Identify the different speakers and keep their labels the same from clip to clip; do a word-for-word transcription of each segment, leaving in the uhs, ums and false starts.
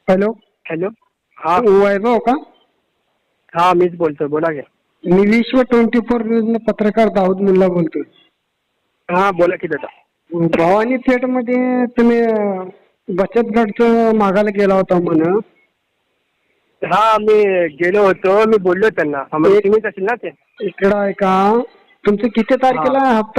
Speaker 1: Hello.
Speaker 2: Hello. हा
Speaker 1: वैभव का?
Speaker 2: हा मीच बोलतोय, बोला घ्या.
Speaker 1: मी विश्व ट्वेंटी फोर न्यूज पत्रकार दाऊद मुल्ला बोलतोय.
Speaker 2: हा बोला की दादा.
Speaker 1: भवानी थेट मध्ये तुम्ही अं, बचत गटचं मागायला गेला होता म्हण.
Speaker 2: हा मी गेलो होतो, मी बोललो त्यांना. हा, म्हणजे
Speaker 1: एक-
Speaker 2: तुम्हीच असेल ना ते.
Speaker 1: इकडं आहे का? तुमचं किती तारखेला आहे हप्ता?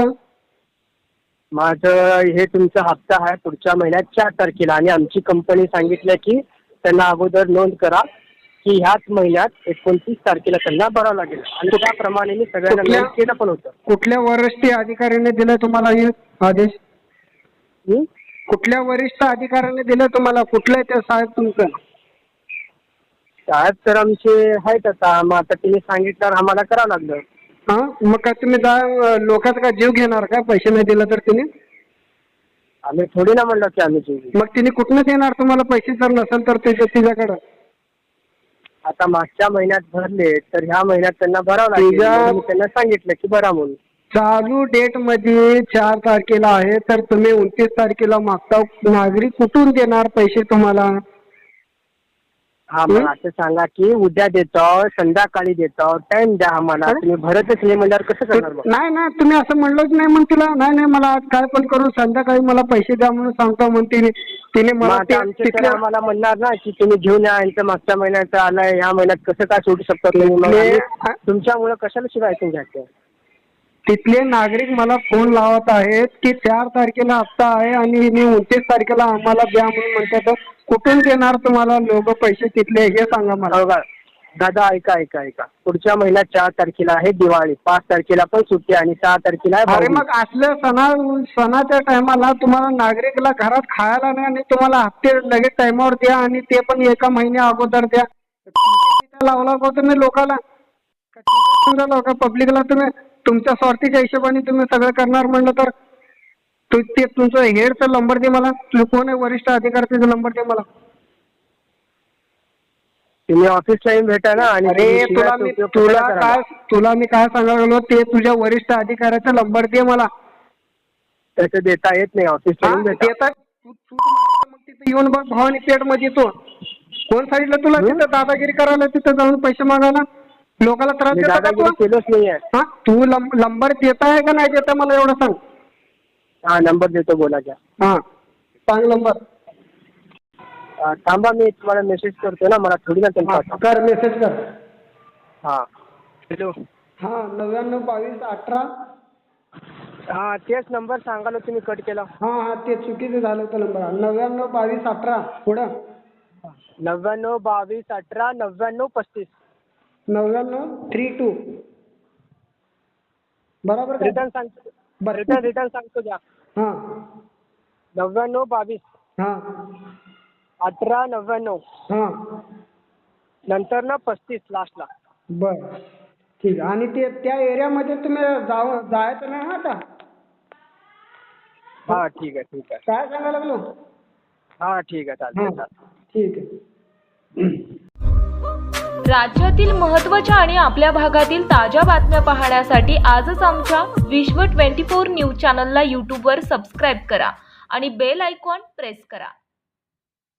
Speaker 2: माझं हे तुमचा हप्ता आहे पुढच्या महिन्यात चार तारखेला, आणि आमची कंपनी सांगितलं की त्यांना अगोदर नोंद करा की ह्याच महिन्यात एकोणतीस तारखेला त्यांना भरावं लागेल, आणि त्याप्रमाणे मी सगळ्यांना
Speaker 1: कुठल्या
Speaker 2: नोंद केलं पण होतं.
Speaker 1: कुठल्या वरिष्ठ अधिकाऱ्याने दिलाय तुम्हाला हे आदेश?
Speaker 2: हं?
Speaker 1: कुठल्या वरिष्ठ अधिकाऱ्याने दिलं तुम्हाला? कुठलं आहे ते साहेब तुमचं?
Speaker 2: साहेब तर आमचे आहेत आता, मग आता तिने सांगितल्यावर आम्हाला करावं लागलं.
Speaker 1: हा, मग काय तुम्ही जा लोकांचा काय जीव घेणार का पैसे नाही दिला तर? तिने
Speaker 2: आम्ही थोडी ना म्हणलं की आम्ही जीव घेऊ.
Speaker 1: मग तिने कुठनं देणार तुम्हाला पैसे जर नसेल तर त्याच्या तिच्याकडं?
Speaker 2: आता मागच्या महिन्यात भरले तर ह्या महिन्यात त्यांना भरावं लागेल,
Speaker 1: तुझ्या-
Speaker 2: म्हणून मी त्यांना सांगितलं की भरा म्हणून.
Speaker 1: चालू डेट मध्ये चार तारखेला आहे तर तुम्ही उनतीस तारखेला मागता. नागरिक कुठून देणार पैसे तुम्हाला?
Speaker 2: हा, मग असं सांगा की उद्या देतो, संध्याकाळी देतो, टाइम द्या आम्हाला. तुम्ही भरतच नाही म्हणल्यावर कसं करणार मग?
Speaker 1: नाही नाही, तुम्ही असं म्हणलंच नाही म्हण तिला. नाही नाही, मला आज काय पण करून संध्याकाळी मला पैसे द्या म्हणून सांगतो म्हणते. तिने
Speaker 2: मग
Speaker 1: मला
Speaker 2: आता
Speaker 1: ते
Speaker 2: आमचे सर
Speaker 1: तिथल्या
Speaker 2: आम्हाला म्हणणार ना की तुम्ही घेऊन या, यांचं मागच्या महिन्याचं आलंय, ह्या महिन्यात कसं काय सोडू शकता तुम्ही? मग
Speaker 1: तिथले-
Speaker 2: आम्ही तुमच्यामुळे कशाला शिवाय ऐकून घ्यायचं?
Speaker 1: तिथले नागरिक मला फोन लावत आहेत की चार तारखेला हप्ता आहे आणि मी उनतीस तारखेला आम्हाला द्या म्हणून म्हणतात. कुठून देणार तुम्हाला लोक पैसे तिथले, हे सांगा मला.
Speaker 2: हो का दादा, ऐका ऐका ऐका पुढच्या महिन्यात चार तारखेला आहे दिवाळी, पाच तारखेला पण सुट्टी, आणि सहा तारखेला आहे
Speaker 1: अरे
Speaker 2: भाऊबीज.
Speaker 1: मग असल्या सणा सणाच्या टायमाला तुम्हाला नागरिकला घरात खायला नाही आणि तुम्हाला हप्ते लगेच टायमावर द्या, आणि ते पण एका महिन्या अगोदर द्या. लावला का तुम्ही लोकाला? का पब्लिकला तुम्ही तुमच्या स्वार्थीच्या हिशोबाने तुम्ही सगळं करणार म्हणलं तर? तू ते तुमचं हेडचा नंबर दे मला. तू कोण आहे वरिष्ठ अधिकाऱ्याचा नंबर दे मला.
Speaker 2: तुम्ही ऑफिसला येऊन भेटा ना. आणि
Speaker 1: अरे
Speaker 2: तुम्ही
Speaker 1: तुला
Speaker 2: शिव्याचा
Speaker 1: मी
Speaker 2: उपयोग
Speaker 1: तुला
Speaker 2: कशाला करायला?
Speaker 1: काय तुला मी काय सांगायला लागलो ते तुझ्या वरिष्ठ अधिकाऱ्याचा नंबर दे मला.
Speaker 2: तसं देता येत नाही, ऑफिसला येऊन भेटा.
Speaker 1: देतात तू तू मग तिथे येऊन बघ भवानी पेठ मध्ये. तो कोण सांगितलं तुला
Speaker 2: हं?
Speaker 1: तिथं दादागिरी करायला, तिथं जाऊन पैसे मागायला, लोकांना त्रास
Speaker 2: मी
Speaker 1: देता का
Speaker 2: दादागिरी
Speaker 1: तू?
Speaker 2: केलोच नाहीये.
Speaker 1: हा, तू नंबर देता आहे का नाही देता मला एवढं सांग.
Speaker 2: हा, नंबर देतो, बोला घ्या.
Speaker 1: हा, सांग नंबर.
Speaker 2: अं, थांबा, मी तुम्हाला मेसेज करतो ना, मला थोडी ना
Speaker 1: हा,
Speaker 2: त्यांचा.
Speaker 1: कर मेसेज कर.
Speaker 2: हा हॅलो.
Speaker 1: हा, नव्याण्णव बावीस अठरा.
Speaker 2: हा, तेच नंबर सांगायला तुम्ही कट केला.
Speaker 1: हा हा, ते चुकीचं झालं होतं नंबर. नव्याण्णव बावीस अठरा पुढं
Speaker 2: नव्याण्णव बावीस अठरा नव्याण्णव पस्तीस.
Speaker 1: नव्याण्णव थ्री टू. बरोबर का?
Speaker 2: रिटर्न सांगतो,
Speaker 1: बरं.
Speaker 2: रिटर्न रिटर्न सांगतो द्या.
Speaker 1: हा
Speaker 2: नव्याण्णव बावीस
Speaker 1: हा
Speaker 2: अठरा नव्याण्णव,
Speaker 1: हा,
Speaker 2: नंतर ना पस्तीस लास्टला.
Speaker 1: बर ठीक आहे. आणि ते त्या एरियामध्ये तुम्ही जाऊ जायचं नाही आता?
Speaker 2: हा ठीक आहे ठीक आहे.
Speaker 1: काय सांगायला लागलो?
Speaker 2: हा ठीक आहे, चालतंय
Speaker 1: हा,
Speaker 2: चालतंय.
Speaker 1: ठीक आहे.
Speaker 3: राज्यातील महत्त्वाच्या आणि आपल्या भागातील ताज्या बातम्या पाहण्यासाठी आजच आमच्या विश्व ट्वेंटी फोर न्यूज चॅनलला यूट्यूबवर सबस्क्राईब करा आणि बेल आयकॉन प्रेस करा.